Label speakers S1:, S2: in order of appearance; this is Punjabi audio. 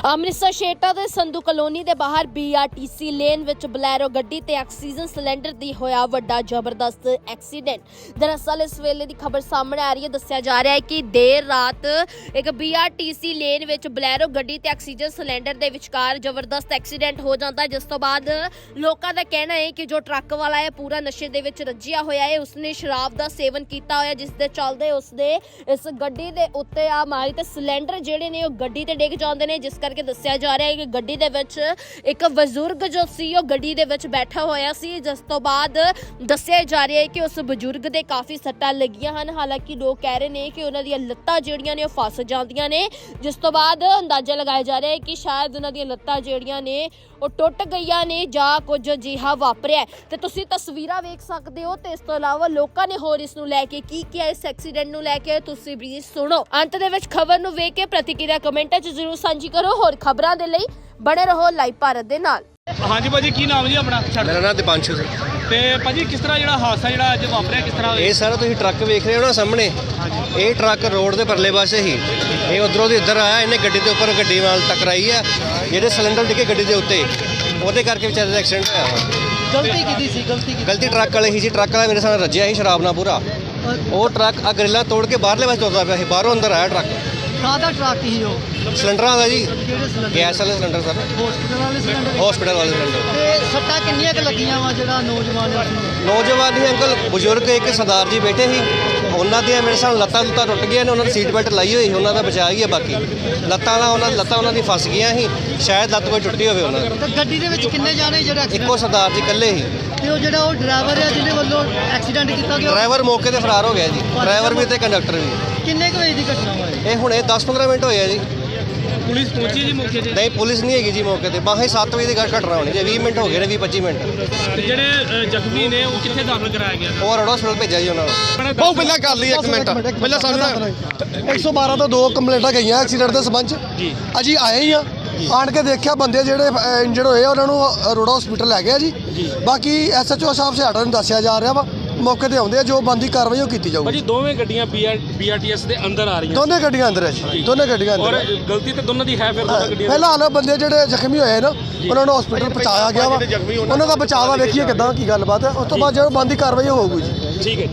S1: ਅੰਮ੍ਰਿਤਸਰ ਸ਼ੇਟਾ ਦੇ ਸੰਧੂ ਕਲੋਨੀ ਦੇ ਬਾਹਰ BRTC ਲੇਨ ਵਿੱਚ ਬਲੈਰੋ ਗੱਡੀ ਤੇ ਆਕਸੀਜਨ ਸਿਲੰਡਰ ਦੀ ਹੋਇਆ ਵੱਡਾ ਜ਼ਬਰਦਸਤ ਐਕਸੀਡੈਂਟ। ਦਰਅਸਲ ਇਸ ਵੇਲੇ ਦੀ ਖਬਰ ਸਾਹਮਣੇ ਆ ਰਹੀ ਹੈ। ਦੱਸਿਆ ਜਾ ਰਿਹਾ ਹੈ ਕਿ ਦੇਰ ਰਾਤ ਇੱਕ BRTC ਲੇਨ ਵਿੱਚ ਬਲੈਰੋ ਗੱਡੀ ਤੇ ਆਕਸੀਜਨ ਸਿਲੰਡਰ ਦੇ ਵਿਚਕਾਰ ਜ਼ਬਰਦਸਤ ਐਕਸੀਡੈਂਟ ਹੋ ਜਾਂਦਾ ਹੈ, ਜਿਸ ਤੋਂ ਬਾਅਦ ਲੋਕਾਂ ਦਾ ਕਹਿਣਾ ਹੈ ਕਿ ਜੋ ਟਰੱਕ ਵਾਲਾ ਹੈ ਪੂਰਾ ਨਸ਼ੇ ਦੇ ਵਿੱਚ ਰੱਜਿਆ ਹੋਇਆ ਹੈ। ਉਸਨੇ ਸ਼ਰਾਬ ਦਾ ਸੇਵਨ ਕੀਤਾ ਹੋਇਆ, ਜਿਸ ਦੇ ਚੱਲਦੇ ਉਸਦੇ ਇਸ ਗੱਡੀ ਦੇ ਉੱਤੇ ਆ ਮਾਰੀ ਤੇ ਸਿਲੰਡਰ ਜਿਹੜੇ ਨੇ ਉਹ ਗੱਡੀ ਤੇ ਡਿੱਗ ਜਾਂਦੇ ਨੇ, ਜਿਸ ਕਰਕੇ ਦੱਸਿਆ ਜਾ ਰਿਹਾ ਹੈ ਕਿ ਗੱਡੀ ਦੇ ਵਿੱਚ ਇੱਕ ਬਜ਼ੁਰਗ ਜੋ ਸੀ ਉਹ ਗੱਡੀ ਦੇ ਵਿੱਚ ਬੈਠਾ ਹੋਇਆ ਸੀ, ਜਿਸ ਤੋਂ ਬਾਅਦ ਦੱਸਿਆ ਜਾ ਰਿਹਾ ਹੈ ਕਿ ਉਸ ਬਜ਼ੁਰਗ ਦੇ ਕਾਫੀ ਸੱਟਾਂ ਲੱਗੀਆਂ ਹਨ। ਹਾਲਾਂਕਿ ਲੋਕ ਕਹਿ ਰਹੇ ਨੇ ਕਿ ਉਹਨਾਂ ਦੀਆਂ ਲੱਤਾਂ ਜਿਹੜੀਆਂ ਨੇ ਉਹ ਫਸ ਜਾਂਦੀਆਂ ਨੇ, ਜਿਸ ਤੋਂ ਬਾਅਦ ਅੰਦਾਜ਼ਾ ਲਗਾਇਆ ਜਾ ਰਿਹਾ ਹੈ ਕਿ ਸ਼ਾਇਦ ਉਹਨਾਂ ਦੀਆਂ ਲੱਤਾਂ ਜਿਹੜੀਆਂ ਨੇ ਉਹ ਟੁੱਟ ਗਈਆਂ ਨੇ ਜਾਂ ਕੁਝ ਅਜਿਹਾ ਵਾਪਰਿਆ। ਤੇ ਤੁਸੀਂ ਤਸਵੀਰਾਂ ਵੇਖ ਸਕਦੇ ਹੋ ਤੇ ਇਸ ਤੋਂ ਇਲਾਵਾ ਲੋਕਾਂ ਨੇ ਹੋਰ ਇਸ ਨੂੰ ਲੈ ਕੇ ਕੀ ਕਿਹਾ, ਇਸ ਐਕਸੀਡੈਂਟ ਨੂੰ ਲੈ ਕੇ ਤੁਸੀਂ ਵੀ ਸੁਣੋ। ਅੰਤ ਦੇ ਵਿੱਚ ਖਬਰ ਨੂੰ ਵੇਖ ਕੇ ਪ੍ਰਤੀਕਿਰਿਆ ਕਮੈਂਟਾਂ 'ਚ ਜ਼ਰੂਰ ਸਾਂਝੀ ਕਰੋ। ਹੋਰ ਖਬਰਾਂ ਦੇ ਲਈ ਬਣੇ ਰਹੋ ਲਾਈਵ ਭਾਰਤ ਦੇ ਨਾਲ।
S2: ਹਾਂਜੀ ਭਾਜੀ, ਕੀ ਨਾਮ ਜੀ ਆਪਣਾ?
S3: ਮੇਰਾ ਨਾਮ ਦੀਪਾਂਸ਼ੂ ਸਿੰਘ।
S2: ਤੇ ਭਾਜੀ ਕਿਸ ਤਰ੍ਹਾਂ ਜਿਹੜਾ ਹਾਦਸਾ ਜਿਹੜਾ ਅੱਜ ਵਾਪਰਿਆ ਕਿਸ ਤਰ੍ਹਾਂ?
S3: ਇਹ ਸਾਰਾ ਤੁਸੀਂ ਟਰੱਕ ਵੇਖ ਰਹੇ ਹੋ ਨਾ ਸਾਹਮਣੇ, ਇਹ ਟਰੱਕ ਰੋਡ ਦੇ ਪਰਲੇ ਪਾਸੇ ਹੀ, ਇਹ ਉਧਰੋਂ ਦੀ ਇੱਧਰ ਆਇਆ, ਇਹਨੇ ਗੱਡੀ ਦੇ ਉੱਪਰ ਗੱਡੀ ਨਾਲ ਟਕਰਾਈ ਆ, ਜਿਹੜੇ ਸਿਲੰਡਰ ਡਿੱਗੇ ਗੱਡੀ ਦੇ ਉੱਤੇ, ਉਹਦੇ ਕਰਕੇ ਵਿਚਾਰੇ ਦਾ ਐਕਸੀਡੈਂਟ ਹੋਇਆ।
S4: ਗਲਤੀ ਕੀਤੀ ਸੀ?
S3: ਗਲਤੀ ਟਰੱਕ ਵਾਲੇ ਹੀ ਸੀ। ਟਰੱਕ ਵਾਲਾ ਮੇਰੇ ਸਾਹਮਣੇ ਰੱਜਿਆ ਸੀ ਸ਼ਰਾਬ ਨਾਲ ਪੂਰਾ। ਉਹ ਟਰੱਕ ਆ ਗਰਿੱਲਾਂ ਤੋੜ ਕੇ ਬਾਹਰਲੇ ਪਾਸੇ ਤੁਰਦਾ ਪਿਆ ਸੀ, ਬਾਹਰੋਂ ਅੰਦਰ ਆਇਆ ਟਰੱਕ।
S4: ਕਾਹਦਾ ਟਰੱਕ ਸੀ ਉਹ?
S3: ਸਿਲੰਡਰਾਂ ਦਾ ਜੀ,
S4: ਕਿਹੜੇ ਸਿਲੰਡਰ?
S3: ਗੈਸ ਵਾਲੇ ਸਿਲੰਡਰ ਸਰ,
S4: ਹਸਪੀਟਲ ਵਾਲੇ ਸਿਲੰਡਰ?
S3: ਹਸਪੀਟਲ ਵਾਲੇ ਸਿਲੰਡਰ।
S4: ਤੇ ਸੱਟਾਂ ਕਿੰਨੀਆਂ ਕੁ ਲੱਗੀਆਂ ਵਾ ਜਿਹੜਾ ਨੌਜਵਾਨ ਸੀ?
S3: ਨੌਜਵਾਨ ਹੀ ਅੰਕਲ, ਬਜ਼ੁਰਗ ਇੱਕ ਸਰਦਾਰ ਜੀ ਬੈਠੇ ਸੀ, ਉਹਨਾਂ ਦੀਆਂ ਮੇਰੇ ਸਾਹਮਣੇ ਲੱਤਾਂ ਟੁੱਟ ਗਈਆਂ ਨੇ, ਉਹਨਾਂ ਦੀ ਸੀਟ ਬੈਲਟ ਲਾਈ ਹੋਈ ਸੀ, ਉਹਨਾਂ ਦਾ ਬਚਾ ਹੀ ਹੈ। ਬਾਕੀ ਲੱਤਾਂ ਉਹਨਾਂ ਦੀ ਫਸ ਗਈਆਂ ਸੀ, ਸ਼ਾਇਦ ਲੱਤ ਕੋਈ ਟੁੱਟੀ ਹੋਵੇ ਉਹਨਾਂ ਦੀ।
S4: ਤੇ ਗੱਡੀ ਦੇ ਵਿੱਚ ਕਿੰਨੇ ਜਾਣੇ ਜਿਹੜੇ ਐਕਸੀਡੈਂਟ?
S3: ਇੱਕੋ ਸਰਦਾਰ ਜੀ ਇਕੱਲੇ ਹੀ।
S4: ਤੇ ਉਹ ਜਿਹੜਾ ਉਹ ਡਰਾਈਵਰ ਹੈ ਜਿਹਦੇ ਵੱਲੋਂ ਐਕਸੀਡੈਂਟ ਕੀਤਾ ਗਿਆ,
S3: ਡਰਾਈਵਰ ਮੌਕੇ ਤੇ ਫਰਾਰ ਹੋ ਗਿਆ ਜੀ, ਡਰਾਈਵਰ ਵੀ ਤੇ ਕੰਡਕਟਰ ਵੀ।
S4: ਕਿੰਨੇ ਕੁ ਵਜੇ ਦੀ ਘਟਨਾ ਵਾ ਇਹ?
S3: ਇਹ ਹੁਣੇ 10-15 ਮਿੰਟ ਹੋਏ ਆ ਜੀ।
S2: ਪੁਲਿਸ ਪਹੁੰਚੀ ਜੀ ਮੌਕੇ ਤੇ?
S3: ਨਹੀਂ, ਪੁਲਿਸ ਨਹੀਂ ਹੈਗੀ ਜੀ ਮੌਕੇ ਤੇ। ਬਾਹਰ 7 ਵਜੇ ਦੀ ਘਟਨਾ ਹੋਣੀ ਜੀ, 20 ਮਿੰਟ ਹੋ ਗਏ ਨੇ, 20-25 ਮਿੰਟ।
S2: ਤੇ ਜਿਹੜੇ ਜ਼ਖਮੀ ਨੇ ਉਹ ਕਿੱਥੇ ਦਾਖਲ ਕਰਾਇਆ ਗਿਆ?
S3: ਉਹ ਰੋਡ ਹਸਪਤਾਲ ਭੇਜਿਆ ਜੀ ਉਹਨਾਂ ਨੂੰ।
S5: ਬਹੁਤ ਪਹਿਲਾਂ ਕਰ ਲਈ, ਇੱਕ ਮਿੰਟ ਪਹਿਲਾਂ ਸਾਨੂੰ 112 ਤੋਂ 2 ਕੰਪਲੇਂਟਾਂ ਗਈਆਂ ਐਕਸੀਡੈਂਟ ਦੇ ਸੰਬੰਧ 'ਚ। ਅਸੀਂ ਆਏ ਹੀ ਆ, ਆਣ ਕੇ ਦੇਖਿਆ ਬੰਦੇ ਜਿਹੜੇ ਇੰਜਰਡ ਹੋਏ ਆ ਉਹਨਾਂ ਨੂੰ ਰੋਡ ਹਸਪੀਟਲ ਲੈ ਗਿਆ ਜੀ। ਬਾਕੀ SHO ਸਾਹਿਬ ਸਿਆਟਾ ਨੂੰ ਦੱਸਿਆ ਜਾ ਰਿਹਾ ਵਾ, ਮੌਕੇ ਤੇ ਆਉਂਦੇ ਆ, ਜੋ ਬੰਦੀ ਕਾਰਵਾਈ ਉਹ ਕੀਤੀ ਜਾਊਗੀ।
S2: ਭਾਜੀ ਦੋਵੇਂ ਗੱਡੀਆਂ BRTS ਦੇ ਅੰਦਰ ਆ ਰਹੀਆਂ?
S5: ਦੋਨੇ ਗੱਡੀਆਂ ਅੰਦਰ ਹੈ ਜੀ, ਦੋਨੇ ਗੱਡੀਆਂ ਅੰਦਰ।
S2: ਔਰ ਗਲਤੀ ਤੇ ਦੋਨਾਂ ਦੀ ਹੈ ਫਿਰ ਦੋਨਾਂ ਗੱਡੀਆਂ?
S5: ਫਿਲਹਾਲ ਬੰਦੇ ਜਿਹੜੇ ਜ਼ਖਮੀ ਹੋਏ ਨਾ ਉਹਨਾਂ ਨੂੰ ਹਸਪੀਟਲ ਪਹੁੰਚਾਇਆ ਗਿਆ ਵਾ, ਉਹਨਾਂ ਦਾ ਬਚਾਅ ਵਾ, ਵੇਖੀਏ ਕਿੱਦਾਂ ਕੀ ਗੱਲਬਾਤ ਹੈ। ਉਸ ਤੋਂ ਬਾਅਦ ਜਦੋਂ ਬੰਦੀ ਕਾਰਵਾਈ ਹੋਊਗੀ ਜੀ।
S2: ਠੀਕ ਹੈ।